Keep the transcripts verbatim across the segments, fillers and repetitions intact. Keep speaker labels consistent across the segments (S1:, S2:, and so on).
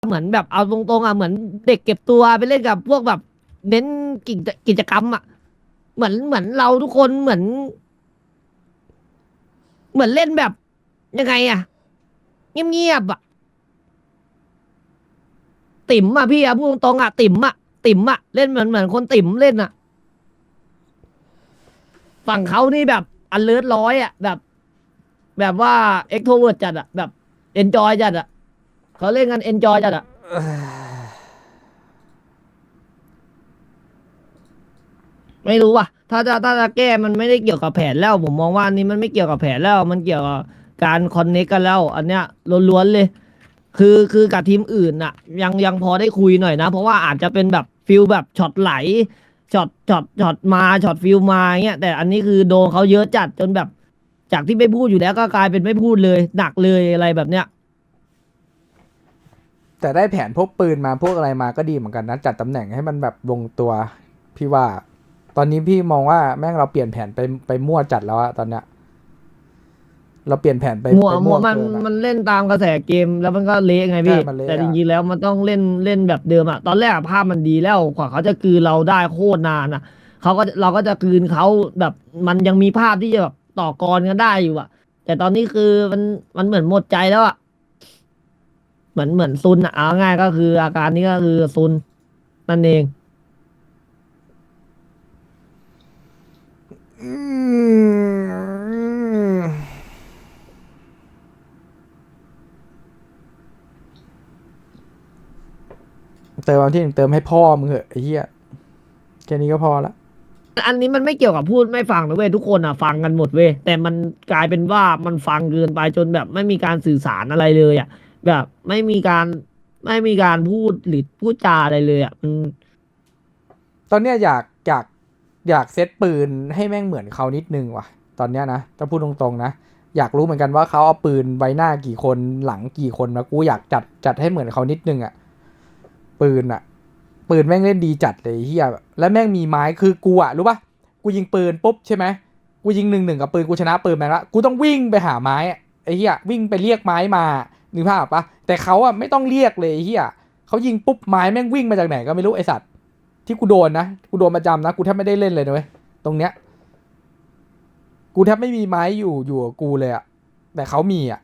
S1: เหมือนแบบเอาตรงๆอ่ะเหมือนเด็กเก็บตัวไปเล่นกับพวกแบบเน้นกิจกิจกรรมอ่ะเหมือนเหมือนเราทุกคนเหมือนเหมือนเล่นแบบยังไงอ่ะเงียบๆอ่ะติ๋มอ่ะพี่อ่ะพูดตรงๆอ่ะติ๋มอ่ะติ๋มอ่ะเล่นเหมือนเหมือนคนติ๋มเล่นอ่ะฝั่งเขานี่แบบอันเลิศร้อยอ่ะแบบแบบว่าเอ็กโทเวิร์ดจัดอ่ะแบบเอนจอยจัดอ่ะเขาเล่นกันเอนจอยจัดอ่ะ ไม่รู้ว่ะถ้าจะถ้าจะแก้มันไม่ได้เกี่ยวกับแผนแล้วผมมองว่าอันนี้มันไม่เกี่ยวกับแผนแล้วมันเกี่ยวกับการคอนเนคกันแล้ว อันเนี้ยล้วนๆเลยคือคือกับทีมอื่นน่ะยังยังพอได้คุยหน่อยนะเพราะว่าอาจจะเป็นแบบฟิลแบบช็อตไหลช็อตช็อตช็อตมาช็อตฟิลมาเงี้ยแต่อันนี้คือโดนเขาเยอะจัดจนแบบจากที่ไม่พูดอยู่แล้วก็กลายเป็นไม่พูดเลยหนักเลยอะไรแบบเนี้ย
S2: แต่ได้แผนพวกปืนมาพวกอะไรมาก็ดีเหมือนกันนะจัดตำแหน่งให้มันแบบลงตัวพี่ว่า ตอนนี้พี่มองว่าแม่งเราเปลี่ยนแผนไปไปมั่วจัดแล้วอะตอนเนี้ยเราเปลี่ยนแผนไป
S1: มัว
S2: ไปมั่ว
S1: มัวมัน
S2: เกินอะ
S1: มันเล่นตามกระแสเกมแล้วมันก็เละไง
S2: ใช่
S1: พี่
S2: มันเละ
S1: แต่จ
S2: อะ
S1: ริงๆแล้วมันต้องเล่นเล่นแบบเดิมอะตอนแรกอะภาพมันดีแล้วกว่าเขาจะกลืนเราได้โคตรนานอะเขาก็เราก็จะกลืนเขาแบบมันยังมีภาพที่จะแบบต่อกรกันได้อยู่อะแต่ตอนนี้คือมันมันเหมือนหมดใจแล้วอะเหมือนเหมือนซุนอะเอาง่ายก็คืออาการนี้ก็คือซุนนั่นเอง
S2: อืมเติมวันที่หนึ่งเติมให้พ่อมึงเหอะไอ้เหี้ยแค่นี้ก็พอละ
S1: อันนี้มันไม่เกี่ยวกับพูดไม่ฟังนะเว้ยทุกคนอะฟังกันหมดเว้ยแต่มันกลายเป็นว่ามันฟังเกินไปจนแบบไม่มีการสื่อสารอะไรเลยอะแบบไม่มีการไม่มีการพูดหรือพูดจาอะไรเลยอะมัน
S2: ตอนเนี้ยอยากอยากอยากเซตปืนให้แม่งเหมือนเขานิดนึงว่ะตอนเนี้ยนะถ้าพูดตรงๆนะอยากรู้เหมือนกันว่าเขาเอาปืนไว้หน้ากี่คนหลังกี่คนนะกูอยากจัดจัดให้เหมือนเขานิดนึงอะปืนอะปืนแม่งเล่นดีจัดเลยเฮียแล้วแม่งมีไม้คือกูอะรู้ปะกูยิงปืนปุ๊บใช่ไหมกูยิงหนึ่งหนึ่งกับปืนกูชนะปืนแม่งละกูต้องวิ่งไปหาไม้อะไอ้เฮียวิ่งไปเรียกไม้มานึกภาพปะแต่เขาอะไม่ต้องเรียกเลยไอ้เฮียเขายิงปุ๊บไม้แม่งวิ่งมาจากไหนก็ไม่รู้ไอสัตว์ ที่กูโดนนะกูโดนประจำนะกูแทบไม่ได้เล่นเลยนะเว้ยตรงเนี้ยกูแทบไม่มีไม้อยู่อยู่กับกูเลยอะแต่เขามีอะ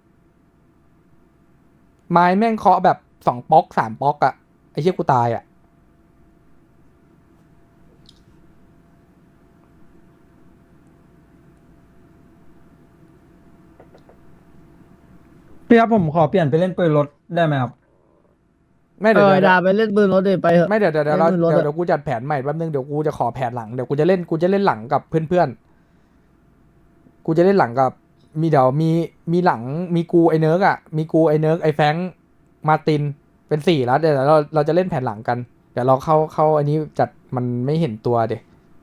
S2: ไม้แม่งเคาะแบบสองป๊อกสามป๊อกอะไอ้เชี่ยกูตายอะ
S3: พี่ครับผมขอเปลี่ยนไปเล่นปืนรถได้ไหมครับ
S2: ไม่
S1: เออ
S2: เดี๋ยวเดี๋ยว
S1: ดาไปเล่นปืนรถเลยไปเหอะ
S2: ไม่เดี๋ยวเดี๋ยวเดี๋ยว
S1: เล่น
S2: เราเดี๋ยว
S1: ปืนรถอะ
S2: เดี๋ยวกูจัดแผนใหม่แป๊บนึงเดี๋ยวกูจะขอแผนหลังเดี๋ยวกูจะเล่นกูจะเล่นหลังกับเพื่อนๆกูจะเล่นหลังกับมีเดี๋ยวมีมีหลังมีกูไอเนิร์กอะมีกูไอเนิร์กไอแฟงค์มาร์ตินเป็นสี่แล้วเดี๋ยวเราเราจะเล่นแผนหลังกันเดี๋ยวเราเข้าเข้าอันนี้จัดมันไม่เห็นตัวเดี๋ย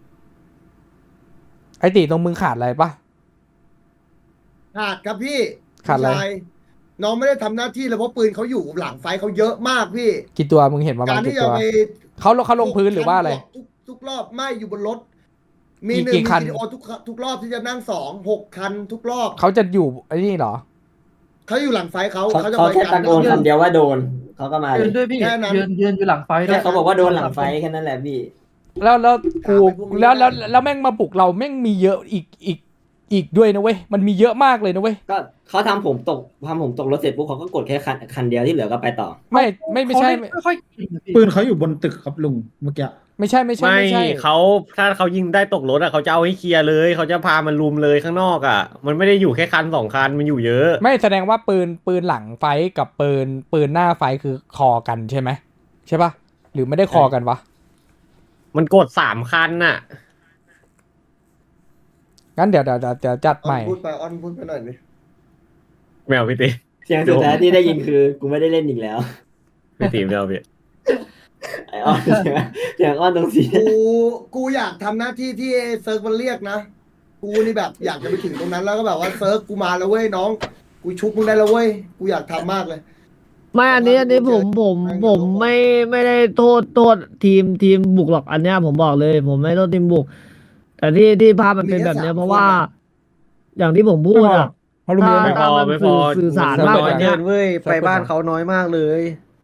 S2: ไอตีตรงมึงขาดอะไรปะ
S4: ขาดครับพี่
S2: ขาดอะไร
S4: พี่ชายน้องไม่ได้ทำหน้าที่เลยเพราะปืนเขาอยู่หลังไฟเขาเยอะมากพี่
S2: กี่ตัวมึงเห็นประมาณ
S4: การที่
S2: กี่ตัว
S4: จะไป
S2: เขาเขาลงพื้นหรือว่าอะไร
S4: ทุกทุกรอบไม่อยู่บนรถ มี
S2: กี่
S4: หนึ่ง
S2: กี่
S4: มี
S2: คัน
S4: วิดีโอทุกทุกรอบที่จะนั่งสองหกคันทุกรอบ
S2: เขาจะอยู่ไอ้นี่เหรอ
S4: เขาอยู่หลังไฟเขา
S5: เขา
S4: เขาจะ
S5: เขา
S4: คอย
S5: แค่
S4: กั
S5: ตะ
S4: น
S5: โกนคำเดียวว่าโดนเขาก็มาเล
S3: ยื
S5: ย
S3: นด้วยพี่
S4: แค่นั้น
S3: ยืนยืนอยู่หลังไฟด้
S5: แค่
S3: วย
S5: เขาบอกว่าโดนหลังไฟแค่นั้นแหละพี่
S2: แล้วแล้วกู
S4: ถามไอ้พวกนี้
S2: แล้วแล้ว
S4: ได้
S2: แล้วแม่งมาปลุกเราแม่งมีเยอะอีกอีกอีกด้วยนะเว้ยมันมีเยอะมากเลยนะเว้ย
S5: ก็เขาทำผมตกทำผมตกรถเสร็จปุ๊บเขาก็กดแค่คันคันเดียวที่เหลือก็ไปต่อ
S2: ไม่ไม่ไม่ใช่
S3: เขาเล่นไม่ค่อยเก่งอะพี่
S6: ปืนเขาอยู่บนตึกครับลุงเมื่อกี้
S2: ไม่ใช่ไม่ใช่
S7: ไม่
S2: ไม่ใช่
S7: เขาถ้าเขายิงได้ตกรถอ่ะเขาจะเอาให้เคลียร์เลยเขาจะพามันลุมเลยข้างนอกอ่ะ มันไม่ได้อยู่แค่คันสองคันมันอยู่เยอะ
S2: ไม่แสดงว่าปืนปืนหลังไฟกับปืนปืนหน้าไฟคือคอกันใช่ไหมใช่ปะหรือไม่ได้คอกันวะ
S7: มันกดสามคันน่ะ
S2: งั้นเดี๋ยวเดี๋ยวเดี๋ยวเดี๋ยวจัด
S4: อ
S2: ให
S4: อน
S2: ม่
S4: พูดไปออนพูดไปหน่อยดิ
S7: แมวพี่ตี
S5: เสียงสุดท้ายที่ได้ยินคือกูไม่ได้เล่นอีกแล้ว
S7: พี่ตีแมวพี่
S5: ไอออนเสียงเสียงอ้อนตรงสี
S4: กูกูอยากทำหน้าที่ที่เซิร์ฟมันเรียกนะกูนี่แบบอยากจะไปถึงตรงนั้นแล้วก็แบบว่าเซิร์ฟกูมาแล้วเว้ยน้อง กูชุบมึงได้แล้วเว้ยกูอยากทำมากเลย
S1: ไม่อันนี้อันนี้ผมผม
S4: ไม่
S1: ผมไม่ไม่ได้โทษโทษทีมทีมบุกหรอกอันเนี้ยผมบอกเลย ผมไม่โทษทีมบุก แต่ที่ที่ภาพมันเป็นแบบเนี้ยเพราะว่า อย่างที่ผมพูดอ่ะ
S6: เขาลุงเยอะ
S1: ถ้า
S6: ไหม
S1: ถ้ามัน
S7: ไม่พอ
S1: สื่อสื่อสาร
S2: ไม่
S1: มาก
S2: พอ
S1: กว่าเนี้ย
S6: เว้ยไปบ้านเขาน้อยมากเลย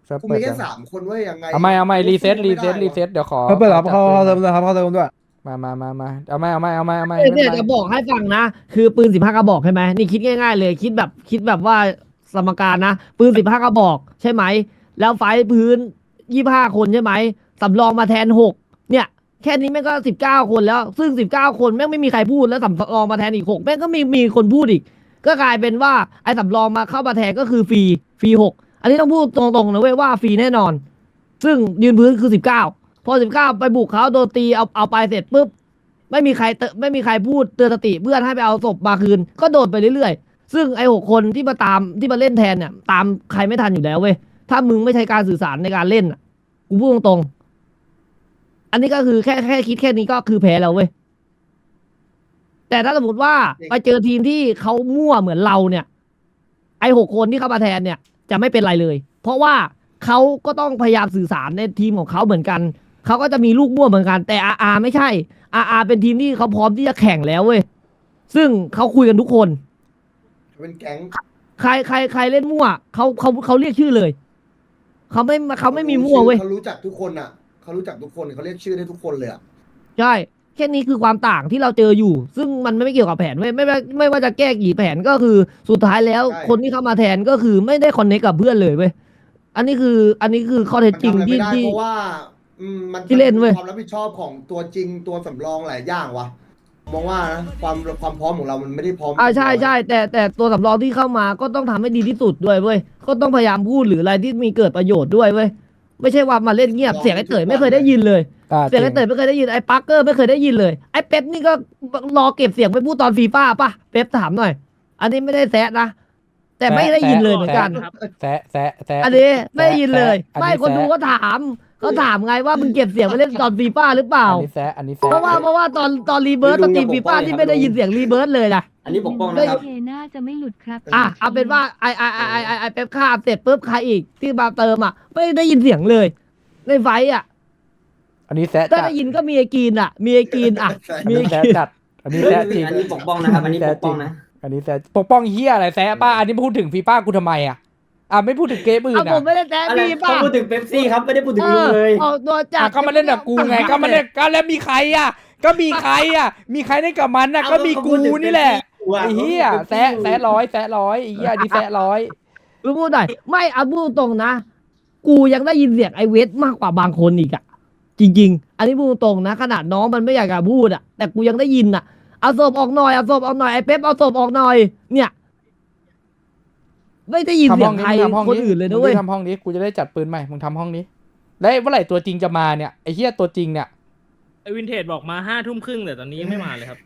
S2: เซิร์ฟ
S4: กู
S2: เปิ
S4: มี
S2: ด
S4: แค่
S2: ยัง
S4: สามคนเว้ยยังไง
S2: เอาไม่เอาไม่รีเซ็ตรีเซ็ต
S4: ไม่ได้
S2: รีเซ็ตเดี๋ยวขอ
S3: เขาเปิดรับ
S2: ขอจั
S3: เขาเขา
S2: ปื
S3: เติ
S2: น
S3: มเลยครับเขาเติมด้วย
S2: มามามามาเอาไม่เอาไม่เอาไม่เอาไม่
S1: เอ้ย
S2: ไม่
S1: เนี่ย
S2: เป็นไร
S1: จะบอกให้ฟังนะ คือปืนสิบห้ากระบอกใช่ไหมนี่คิดง่ายๆเลย คิดแบบคิดแบบว่าสมการนะ ปืนสิบห้ากระบอกใช่ไหม แล้วไฟพื้นยี่ห้าคนใช่ไหมสำรองมาแทนหกเนี่ย แค่นี้แม่งก็สิบเก้าคนแล้ว ซึ่งสิบเก้าคนแม่งไม่มีใครพูดแล้วสำรองมาแทนอีกหกแม่งก็มีมีคนพูดอีก ก็กลายเป็นว่าไอ้สำรองมาเข้ามาแทนก็คือฟรีฟรีหกอันนี้ต้องพูดตรงๆนะเว้ยว่าฟรีแน่นอน ซึ่งยืนพื้นคือสิบเก้าพอสิบเก้าไปบุกเขาโดนตีเอาเอาไปเสร็จปุ๊บ ไม่มีใครเตไม่มีใครพูดเตือนสติเพื่อนให้ไปเอาศพมาคืน ก็โดนไปเรื่อยๆ ซึ่งไอ้หกคนที่มาตามที่มาเล่นแทนเนี่ย ตามใครไม่ทันอยู่แล้วเว้ย ถ้ามึงไม่ใช้การสื่อสารในการเล่นอ่ะ กูพูดตรงๆ อันนี้ก็คือแค่แค่คิดแค่นี้ก็คือแพ้แล้วเว้ย แต่ถ้าสมมติว่าไปเจอทีมที่เขามั่วเหมือนเราเนี่ย ไอ้หกคนที่เข้ามาแทนเนี่ย จะไม่เป็นไรเลย เพราะว่าเขาก็ต้องพยายามสื่อสารในทีมของเขาเหมือนกัน เขาก็จะมีลูกมั่วเหมือนกัน แต่อาอาไม่ใช่ อาอาเป็นทีมที่เขาพร้อมที่จะแข่งแล้วเว้ย ซึ่งเขาคุยกันทุกคน
S4: เป็นแก๊ง
S1: ใครใครใครเล่นมั่วเขาเขาเขาเรียกชื่อเลย เขาไม่เขาไม่มีมั่วเว้ย
S4: เขารู้จักทุกคนอ่ะเขารู้จักทุกคนเขาเรียกชื่อได้ทุกคนเลยอ่ะ
S1: ใช่ แค่นี้คือความต่างที่เราเจออยู่ ซึ่งมันไม่เกี่ยวกับแผนเว้ยไม่ไม่ไม่ว่าจะแก้กี่แผนก็คือสุดท้ายแล้ว คนที่เข้ามาแทนก็คือไม่ได้คอนเนคกับเพื่อนเลยเว้ย อันนี้คืออันนี้คือข้อเท็จ
S4: มัน
S1: จริง
S4: ทำอะไร
S1: ที่
S4: ไม่ได้
S1: ที่
S4: เพราะว่าอืมมัน
S1: ที่เล่นเว้ย
S4: ความรับผิดชอบของตัวจริงตัวสำรองหลายอย่างวะมองว่านะความความพร้อมของเรามันไม่ได้พร้อม
S1: อ่าใช่ใช่แต่แต่ตัวสำรองที่เข้ามาก็ต้องทำให้ดีที่สุดด้วยเว้ยก็ต้องพยายามพูดหรืออะไรที่มีเกิดประโยชน์ด้วยเว้ยไม่ใช่ว่ามาเล่นเงียบเสียงไอ้เต๋ยไม่เคยได้ยินเลย
S2: อ่า
S1: เสียงไอ้
S2: จ
S1: เต๋
S2: ริ
S1: ยไม่เคยได้ยินไอ้ปักเกอร์ไม่เคยได้ยินเลยไอ้เป๊ปนี่ก็รอเก็บเสียงไปพูดตอนฟีฟ่าป่ะเป๊ปถามหน่อย อันนี้ไม่ได้แซะนะแต่ไม่ได้ยินเลยเหมือนกัน
S2: แซะแซะแซะ
S1: อันนี้ไม่ได้ยินเลย
S2: แซะ
S1: ไม่
S2: อั
S1: คนดู
S2: แซะ
S1: ก็ถามเขาถามไงว่ามึงเก็บเสียงไปเล่นตอนฟีฟ่าหรือเปล่า
S2: อันนี้แซะอันนี้แซะ
S1: เพราะว่าเพราะว่าตอนตอนรีเบิร์ตตอนตีฟีฟ่าที่ไม่ได้ยินเสียงรีเบิร์ตเลยนะ
S5: อันนี้ปกป้องนะครับ
S8: เคน่าจะไม่หลุดครับ
S1: อ่ะเอาเป็นว่าไอไอไอไอไอไอเป๊ปฆ่าเสร็จปุ๊บใครอีกที่มาเติมอ่ะไม่ได้ยินเสียงเลยในไฟท์อ่ะ
S2: อันนี้แซะ
S1: ถ้า
S2: จัด
S1: ได้ยินก็มีไอกีนอ่ะ มีไอกีนอ่ะ
S2: อัน
S1: มี
S2: นี้
S1: ไอ
S2: แซะ
S1: กีน
S2: จัดอันนี้แซะจริง
S5: อันนี้ปกป้องนะครับ อันนี้ปกป้องนะ
S2: อันนี้แซะปกป้องเฮียอะไรแซะป้าอันนี้พูดถึงฟีฟ่ากูทำไมอ่ะอ่ะไม่พูดถึงเกมอื่
S1: เอา
S2: น
S1: ผ
S2: อ่ะ
S1: มไม่ได้แซะ
S5: อะไร
S1: พี่
S5: เขา
S1: ป่ะ
S5: พูดถึงเป๊ปซี่ครับ ไม่ได้พูดถึง
S1: เอ
S5: ลุง
S1: อ
S5: เลย
S1: ออกตัวจั
S2: อ่ะ
S1: ด
S2: ก็มาเล่นกับกูไงก็มาเล่นก็แล้วมีใครอ่ะ ก็มีใครอ่ะ มีใครเล่นกับมันอ่ะก็มีกูนี่แหละไอ้เฮียแซะแซะร้อยแซะร้อยไอ้เฮียอันนี้แซะร้อย
S1: รู้พูดหน่อยไม่เอาพูดตรงนะ กูยังได้ยินเสียงไอเวทมากกว่าบางคนอีกอ่ะจริง ๆ อันนี้พูดตรงนะขนาดน้องมันไม่อยากจะพูดอ่ะแต่กูยังได้ยินอ่ะเอาศพออกหน่อยเอาศพออกหน่อยไอเป๊ปเอาศพออกหน่อย เนี่ย ไม่ได้ยินเสียงใครคนอื่นเลยนะเว้ย
S2: มึงทำห้องนี้กูจะได้จัดปืนใหม่มึงทำห้องนี้แล้วเมื่อไหร่ตัวจริงจะมาเนี่ยไอ้เฮียตัวจริงเนี่ย
S9: ไอวินเทจบอกมาห้าทุ่มครึ่งแต่ตอนนี้ยังไม่มาเลยครับ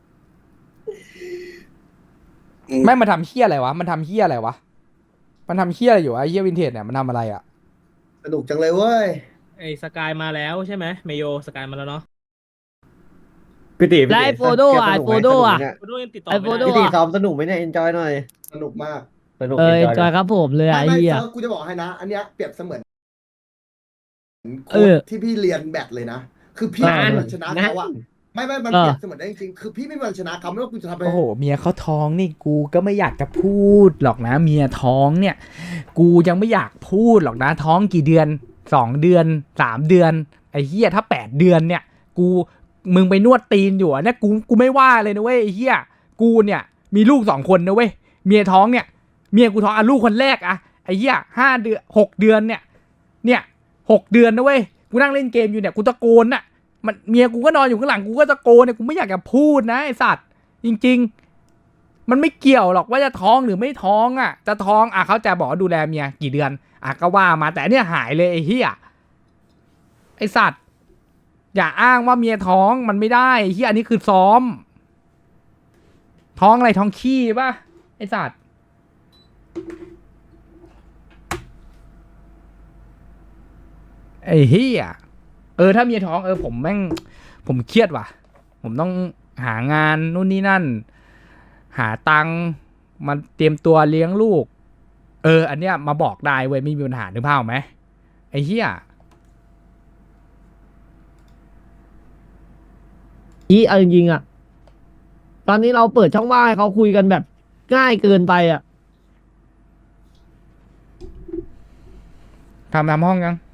S2: แม่งมาทำเฮียอะไรวะมันทำเฮียอะไรวะมันทำเฮียอะไรอยู่วะไอ้เฮียวินเทจเนี่ยมันทำอะไรอ่ะ
S4: สนุกจังเลยเว้ย
S9: ไอสกายมาแล้วใช่ไหมเมโยสกายมาแล้วเนาะ
S7: พี่ติพี่
S1: แล้ว
S7: ติ
S1: ไอโฟโดอ่ะไอโฟโดอ่ะ
S9: โฟโดยังติดต่อ
S1: ไอ
S9: ไม่
S1: โฟโด
S9: ได้
S7: พี่ติซ้อมสนุกไหมเนี่ยเอนจอยหน่อย
S4: สนุกมาก
S7: สนุก
S1: เออ
S7: enjoy
S1: จอยครับผมเลย
S4: ไม่
S1: ไอ้
S4: ไม่
S1: เหี้ย
S4: เซิร์ฟกูจะบอกให้นะ อันเนี้ยเปรียบเสมือน
S1: เอ
S4: โค้
S1: อ
S4: ดที่พี่เรียนแบดเลยนะ คือพี่
S1: นาน
S4: ไม่มีวันชนะเขาอะไม่ไม่มัน
S1: เออ
S4: เปรียบเสมือนได้จริงๆคือพี่ไม่มีวันชนะเขาไม่ว่ากูจะทำไป
S2: โอ้โหเมียเขาท้องนี่กูก็ไม่อยากจะพูดหรอกนะ เมียท้องเนี่ย กูยังไม่อยากพูดหรอกนะ ท้องกี่เดือนสองเดือนสามเดือนไอ้เหี้ยถ้าแปดเดือนเนี่ย กูมึงไปนวดตีนอยู่อะเนี่ยกูกูไม่ว่าเลยนะเว้ยไอ้เหี้ยกูเนี่ย มีลูกสองคนนะเว้ยเมียท้องเนี่ย เมียกูท้องอ่ะลูกคนแรกอะไอ้เหี้ยห้าเดือนหกเดือนเนี่ย เนี่ยหกเดือนนะเว้ยกูนั่งเล่นเกมอยู่เนี่ยกูตะโกนน่ะมันเมียกูก็นอนอยู่ข้างหลังกูก็ตะโกนเนี่ยกูไม่อยากจะพูดนะไอสัตว์จริงๆมันไม่เกี่ยวหรอกว่าจะท้องหรือไม่ท้องอ่ะจะท้องอ่ะเขาจะบอกว่าดูแลเมียกี่เดือนอ่ะก็ว่ามาแต่เนี่ยหายเลยไอ้เหี้ยไอสัตว์อย่าอ้างว่าเมียท้องมันไม่ได้ไอ้เหี้ยอันนี้คือซ้อม ท้องอะไรท้องขี้ป่ะไอสัตว์ไอ้เหี้ยเออถ้าเมียท้องเออผมแม่งผมเครียดว่ะ ผมต้องหางานนู่นนี่นั่น หาตังค์มาเตรียมตัวเลี้ยงลูก เออ อันเนี้ยมาบอกได้เว้ยไม่มีปัญหานึกภาพออกไหมไอ้เหี้ย
S1: อีเอาจริงๆอ่ะ ตอนนี้เราเปิดช่องว่างให้เขาคุยกันแบบง่ายเกินไปอ่ะ
S2: ท
S8: ทำทำห้องยัง